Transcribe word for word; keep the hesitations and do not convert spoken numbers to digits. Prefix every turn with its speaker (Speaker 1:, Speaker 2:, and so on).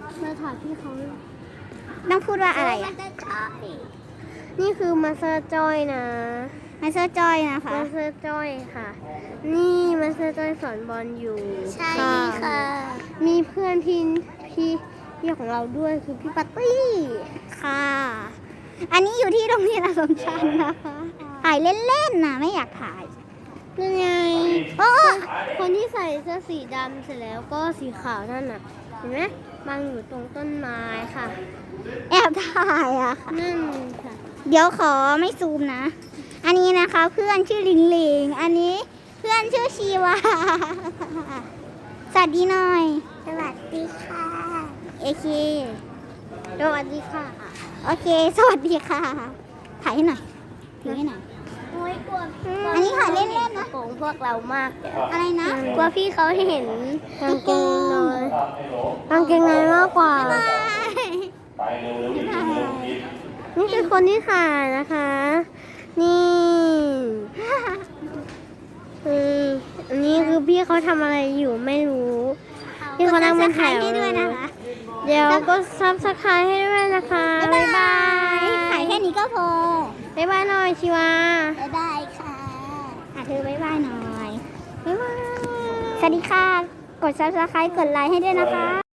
Speaker 1: มาถามพี่เขา
Speaker 2: ต้องพูดว่าอะไรอ่ะ
Speaker 1: นี่คือมาสเตอร์จอยนะ
Speaker 2: มาสเตอร์จอยนะคะ
Speaker 1: มาสเตอร์จอยค่ะ นี่มาสเตอร์จอยสอนบอลอยู่
Speaker 2: ใช่ค่ะ
Speaker 1: มีเพื่อนพี่พี่พี่ของเราด้วยคือพี่ปาร์ตี้
Speaker 2: ค่ะ อันนี้อยู่ที่โรงเรียนอัสสัมชัญนะคะถ่ายเล่นๆนะไม่อยากถ่าย
Speaker 1: นั่นไง
Speaker 2: โอ้
Speaker 1: คนที่ใส่เสื้อสีดำเสร็จแล้วก็สีขาวนั่นน่ะ เห็นไหมบังอยู่ตรงต้นไม้ค่ะ
Speaker 2: แอบถ่ายอะค่ะ
Speaker 1: นั่นค่ะ
Speaker 2: เดี๋ยวขอไม่ซูมนะ อันนี้นะคะเพื่อนชื่อลิงลิง อันนี้เพื่อนชื่อชีวา สวัสดีหน่อย
Speaker 1: สวัสดีค่ะ
Speaker 2: โอเค
Speaker 1: สวัสดีค่ะ
Speaker 2: โอเค สวัสดีค่ะ ถ่ายให้หน่อย ถือให้หน่อย
Speaker 1: โอ้ยกลัว
Speaker 2: อันนี้ถ่ายเล่นๆนะ
Speaker 1: โกงพวกเรามากเลย
Speaker 2: อะไรนะ
Speaker 1: กลัวพี่เขาเห็นกางเกงในกางเกงในมากกว่า
Speaker 2: บาย
Speaker 1: นี่คือคนที่ถ่ายนะคะ นี่อืมอันนี้คือพี่เขาทำอะไรอยู่ไม่รู้ พี่เขานั่งเป็นแถว
Speaker 2: กด Subscribe ให้ด้วยนะคะ
Speaker 1: เดี๋ยวก็ซับสไครต์ให้ด้วยนะคะ
Speaker 2: บ๊ายบายถ่ายแค่นี้ก็พอ
Speaker 1: บ๊ายบายหน่อยชิวา
Speaker 2: บ๊ายบายค่ะอ่ะเธอบ๊ายบายหน่อย
Speaker 1: บ๊ายบาย
Speaker 2: สวัสดีค่ะ กด ซับสไครบ์ กดไลค์ให้ด้วยนะคะ